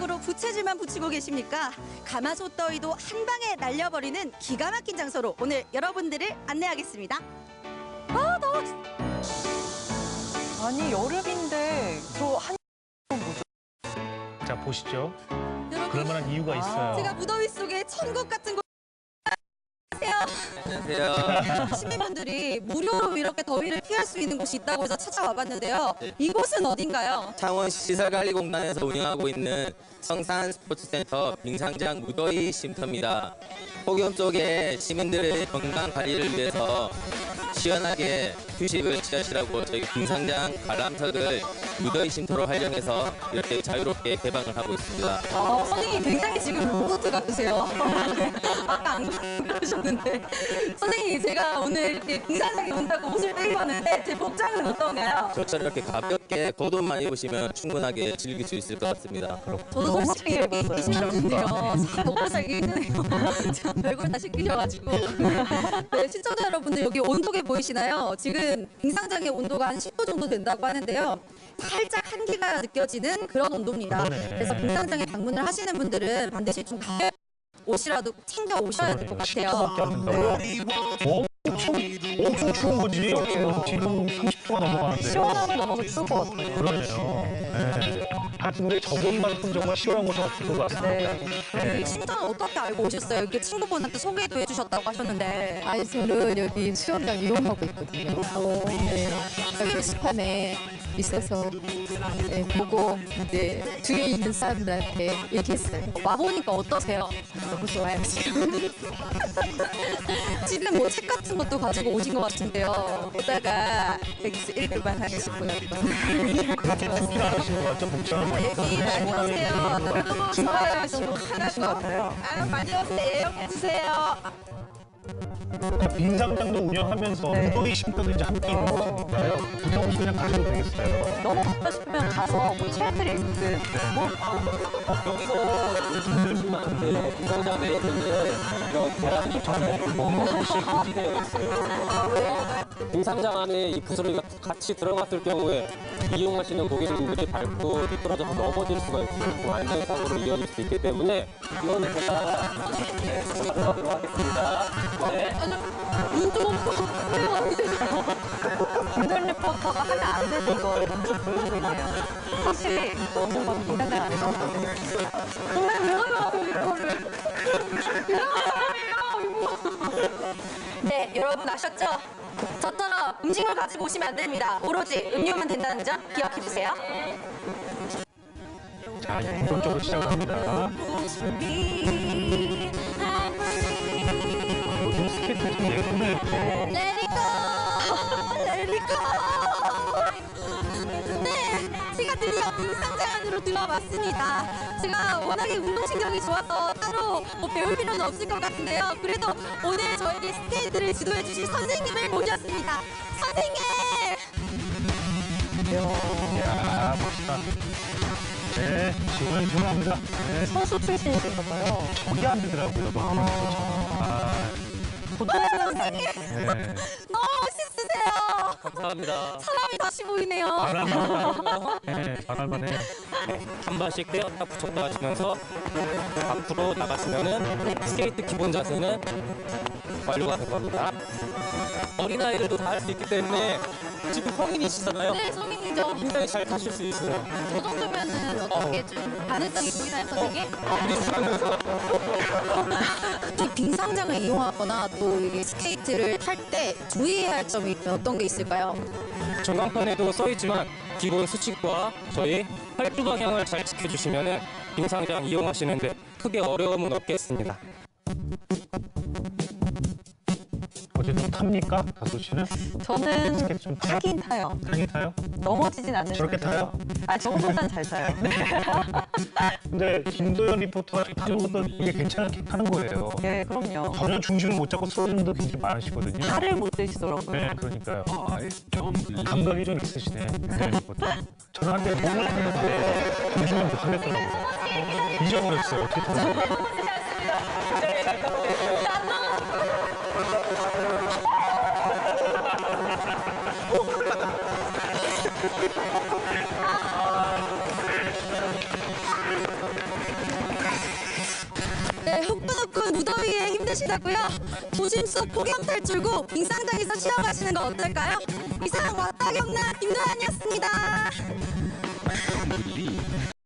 거꾸로 부채질만 붙이고 계십니까? 가마솥 더위도 한 방에 날려버리는 기가 막힌 장소로 오늘 여러분들을 안내하겠습니다. 아, 더워. 아니, 여름인데 저 한... 뭐죠? 자, 보시죠. 여러분, 그럴 만한 이유가 있어요. 제가 무더위 속에 천국 같은 곳. 안녕하세요. 시민분들이 무료로 이렇게 더위를 피할 수 있는 곳이 있다고 해서 찾아와 봤는데요. 이곳은 어딘가요? 창원 시설관리공단에서 운영하고 있는 성산 스포츠센터 빙상장 무더위 쉼터입니다. 폭염 속에 시민들의 건강 관리를 위해서 시원하게 휴식을 취하시라고 저희 빙상장 관람석을 무더위 쉼터로 활용해서 이렇게 자유롭게 개방을 하고 있습니다. 선생님 굉장히 지금 로봇 같으세요. 아까 안 그러셨는데. 선생님, 제가 오늘 이렇게 빙상장에 온다고 옷을 빼입었는데 제 복장은 어떤가요? 저처럼 이렇게 가볍게 겉옷만 입으시면 충분하게 즐길 수 있을 것 같습니다. 저도 솔직히 이렇게 입기 싫었는데요. 먹고 살기 힘드네요. 제가 별걸 다 시키셔가지고. 네, 시청자 여러분들 여기 온도계 보이시나요? 지금 빙상장의 온도가 한 10도 정도 된다고 하는데요. 살짝 한기가 느껴지는 그런 온도입니다. 그래서 빙상장에 방문을 하시는 분들은 반드시 좀 가벼운 옷이라도 챙겨 오셔야 될 것 같아요. 엄청 추운 거지. 지금 30도가 넘어가는데. 시원하면 넘어서 추울 것 같아요. 그러네요. 네. 아, 근데 저번만큼 정말 시원한 곳을 같은 것 같습니다. 네. 신청은 어떻게 알고 오셨어요? 이렇게 친구분한테 소개도 해주셨다고 하셨는데. 아니 저는 여기 수영장 이용하고 있거든요. 네. 여기 게시판에 있어서 네, 보고 이제 뒤에 있는 사람들한테 얘기했어요. 와보니까 어떠세요? 너무 좋아요. 지금 뭐 책 같은 것도 가지고 오신 것 같은데요. 보다가 여기서 읽을만 하시고요. 그렇게 춥지 않으시는 것 같죠? 복장을 많이 얘기 많이 오세요. 너무 좋아요. 시원하고. 아, 많이 오세요. 주세요. 빙상장도 운영하면서 무더위 쉼터도 이제 함께 있는 거니까요. 무더위 그냥 가셔도 되겠어요. 너무 덥다 싶으면 가서 뭐 체험들이 있는데 뭐 빙상장에 있는 계란이 되어 있어요. 빙상장 안에 이 부스러기가 같이 들어갔을 경우에 이용하시는 고객님들이 밟고 미끄러져서 넘어질 수가 있고 안전사고로 이어질 수 있기 때문에 이거는 제가 들어가도록 하겠습니다. 네. 눈좀 없고. 김전 리포터가 하면 안 되는 거 눈좀 보여드리네요. 확실히 너무 막 기대가 안 돼서. 정말 미안해요, 이거를. 네, 여러분 아셨죠? 저처럼 음식을 가지고 오시면 안 됩니다. 오로지 음료만 된다는 점 기억해주세요. 자, 이제 본격적으로 시작합니다. 요즘 스케이트 좀 예쁘네. 레리고! 레리고! 네, 제가 드디어 빙상장 안으로 들어왔습니다. 제가 워낙에 운동신경이 좋아서 따로 뭐 배울 필요는 없을 것 같은데요. 그래도 오늘 저에게 스케이트를 지도해 주실 선생님을 모셨습니다. 선생님! 이야, 멋있다. 네, 지금 유명합니다. 네, 선수 출신이신가 봐요. 저기 안 되더라고요. 선생님! 네. 너무 멋있으세요! 감사합니다. 사람이 다시 보이네요. 네, 잘할만해. 한 발씩 떼었다 붙였다 하시면서 앞으로 나가시면은 스케이트 기본 자세는 완료가 될 겁니다. 어린아이들도 다 할 수 있기 때문에 지금 성인이시잖아요. 네, 성인이죠. 굉장히 잘 타실 수 있어요. 저 정도면은 어떻게 좀 가능성이 보이나요, 선생님? 이 빙상장을 이용하거나 또 이 스케이트를 탈 때 주의해야 할 점이 어떤 게 있을까요? 전광판에도 써 있지만 기본 수칙과 저희 활주 방향을 잘 지켜주시면은 빙상장 이용하시는데 크게 어려움은 없겠습니다. 어제 좀 탑니까? 다솔 씨는? 저는 스케이트 좀 타요? 타긴 타요. 타긴 타요? 넘어지진 않는 저렇게 타요? 아, 저보단 잘 타요. 근데 김도현 리포터가 타는 것도 이게 괜찮게 타는 거예요. 네, 그럼요. 전혀 중심을 못 잡고 쓰러지는 분도 굉장히 많으시거든요. 살을 못 드시더라고요. 네, 그러니까요. 감각이 좀 있으시네. 김도현 리포터. 저는 한때 몸을 타는데 중심을 못 하겠더라고요. 잊어버렸어요. 어떻게 타는 거예요? 힘드시다고요? 도심 속 폭염 탈출구 빙상장에서 쉬어가시는 거 어떨까요? 이상 왔다 경남 김도환이었습니다.